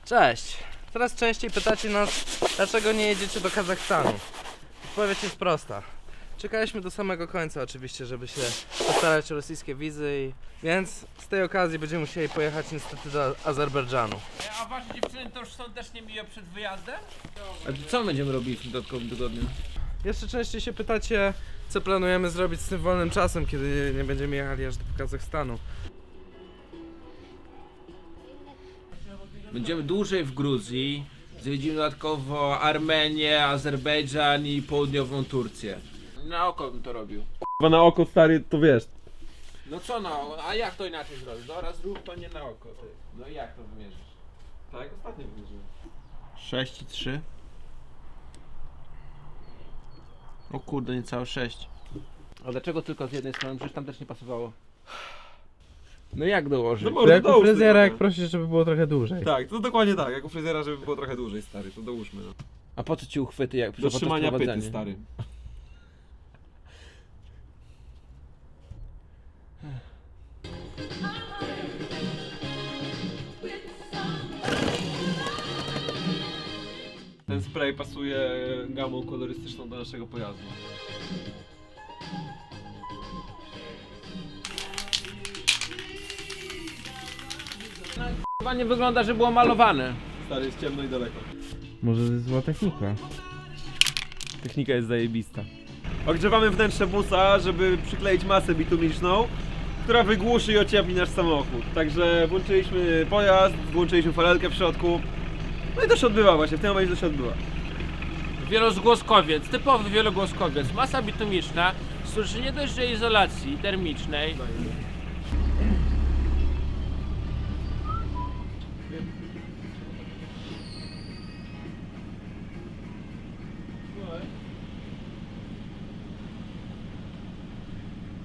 Cześć! Coraz częściej pytacie nas, dlaczego nie jedziecie do Kazachstanu. Odpowiedź jest prosta. Czekaliśmy do samego końca oczywiście, żeby się postarać o rosyjskie wizy, więc z tej okazji będziemy musieli pojechać niestety do Azerbejdżanu. A wasze dziewczyny to już są też niemiłe przed wyjazdem? A co będziemy robić w dodatkowym tygodniu? Jeszcze częściej się pytacie, co planujemy zrobić z tym wolnym czasem, kiedy nie będziemy jechali aż do Kazachstanu. Będziemy dłużej w Gruzji, zwiedzimy dodatkowo Armenię, Azerbejdżan i południową Turcję. Na oko bym to robił. Chyba na oko, stary, to wiesz. No co no, a jak to inaczej zrobić? Dobra, zrób to nie na oko, ty. No i jak to wymierzysz? Tak, ostatnio wymierzyłem. 6 i 3. O kurde, niecałe 6. A dlaczego tylko z jednej strony? Przecież tam też nie pasowało. No jak dołożyć? No może Jak u dołóż fryzjera, tylko. jak prosisz, żeby było trochę dłużej. Tak, to dokładnie tak, jak u fryzjera, żeby było trochę dłużej, stary, to dołóżmy. No. A po co ci uchwyty jak Do podczas trzymania pyty, prowadzenia? stary. Ten spray pasuje gamą kolorystyczną do naszego pojazdu. Chyba nie wygląda, że było malowane. Stary, jest ciemno i daleko. Może to jest zła technika. Technika jest zajebista. Ogrzewamy wnętrze busa, żeby przykleić masę bitumiczną, która wygłuszy i ociepli nasz samochód. Także włączyliśmy pojazd, włączyliśmy farelkę w środku. No i to się odbywa właśnie, w tym momencie to się odbywa. Wielozgłoskowiec, typowy wielogłoskowiec. Masa bitumiczna służy nie dość, że izolacji termicznej.